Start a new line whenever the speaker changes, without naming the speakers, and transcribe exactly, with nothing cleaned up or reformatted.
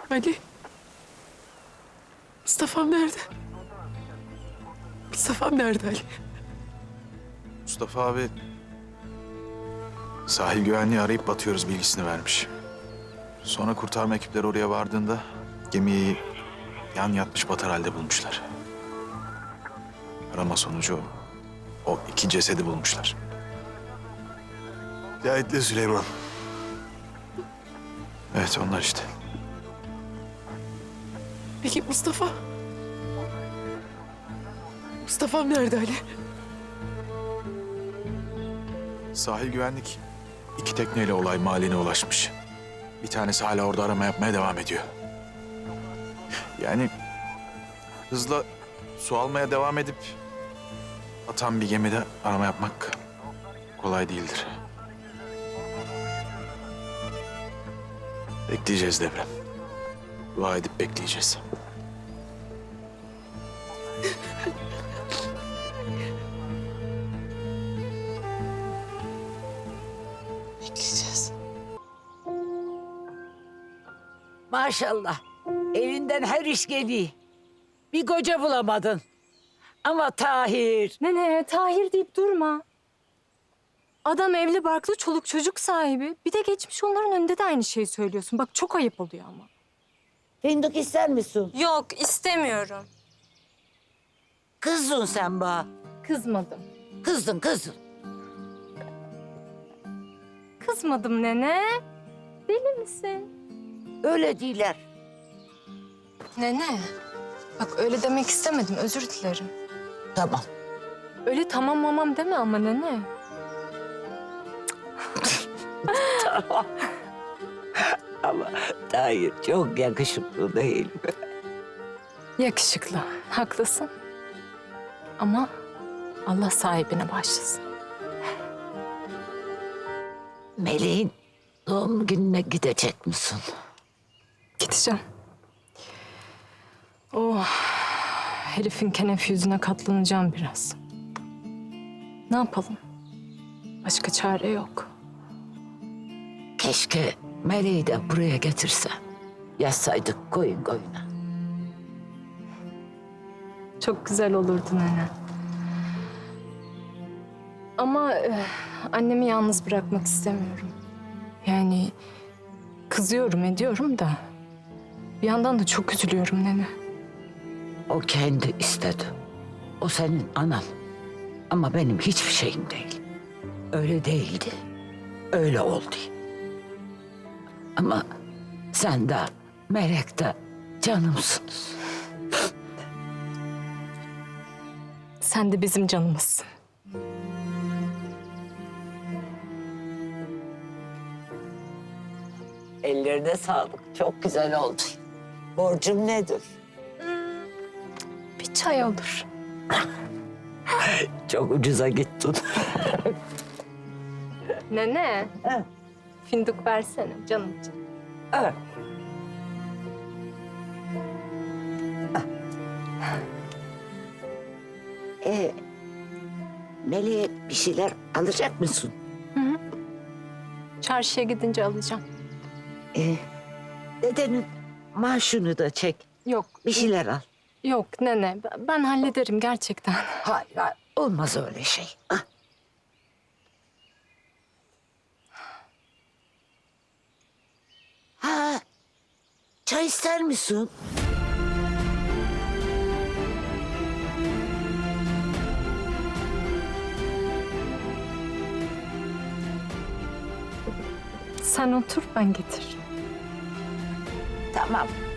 Ali. Mustafa'm nerede? Mustafa'm nerede Ali?
Mustafa abi sahil güvenliği arayıp batıyoruz bilgisini vermiş. Sonra kurtarma ekipleri oraya vardığında gemiyi yan yatmış batar halde bulmuşlar. Arama sonucu o iki cesedi bulmuşlar.
Cahit'le Süleyman.
Evet onlar işte.
Peki Mustafa? Mustafa'm nerede Ali?
Sahil güvenlik iki tekneyle olay mahalline ulaşmış. Bir tanesi hala orada arama yapmaya devam ediyor. Yani hızla su almaya devam edip atan bir gemide arama yapmak kolay değildir. Bekleyeceğiz Devrem. Dua edip bekleyeceğiz.
Bekleyeceğiz.
Maşallah. Elinden her iş geliyor. Bir koca bulamadın. Ama Tahir.
Nene, Tahir deyip durma. Adam evli barklı çoluk çocuk sahibi. Bir de geçmiş onların önünde de aynı şeyi söylüyorsun. Bak çok ayıp oluyor ama.
Fındık ister misin?
Yok, istemiyorum.
Kızdın sen bana.
Kızmadım.
Kızdın kızdın.
Kızmadım nene. Deli misin?
Öyle değiller.
Nene, bak öyle demek istemedim. Özür dilerim.
Tamam.
Öyle tamam mamam deme ama nene.
Ama Tahir çok yakışıklı değil mi?
Yakışıklı, haklısın. Ama Allah sahibine başlasın.
Meleğin doğum gününe gidecek misin?
Gideceğim. Oh, herifin kenef yüzüne katlanacağım biraz. Ne yapalım? Başka çare yok.
Keşke Meleği de buraya getirse. Yazsaydık koyun koyuna.
Çok güzel olurdu nene. Ama eh, annemi yalnız bırakmak istemiyorum. Yani kızıyorum ediyorum da bir yandan da çok üzülüyorum nene.
O kendi istedi. O senin anan. Ama benim hiçbir şeyim değil. Öyle değildi. Öyle oldu. Ama sen de Melek de canımsınız.
Sen de bizim canımızsın.
Ellerine sağlık. Çok güzel oldu. Borcum nedir?
Bir çay olur.
Çok ucuza gittin.
Nene.
Ha.
Fındık versene canım için.
Ha. Ee, Melek'e bir şeyler alacak mısın?
Çarşıya gidince alacağım.
Ee, dedenin maaşını da çek.
Yok.
Bir şeyler al.
Yok nene. Ben ben hallederim gerçekten.
Hayır, hayır. Olmaz öyle şey. Ah. Ha, çay ister misin?
Sen otur ben getir.
Tamam.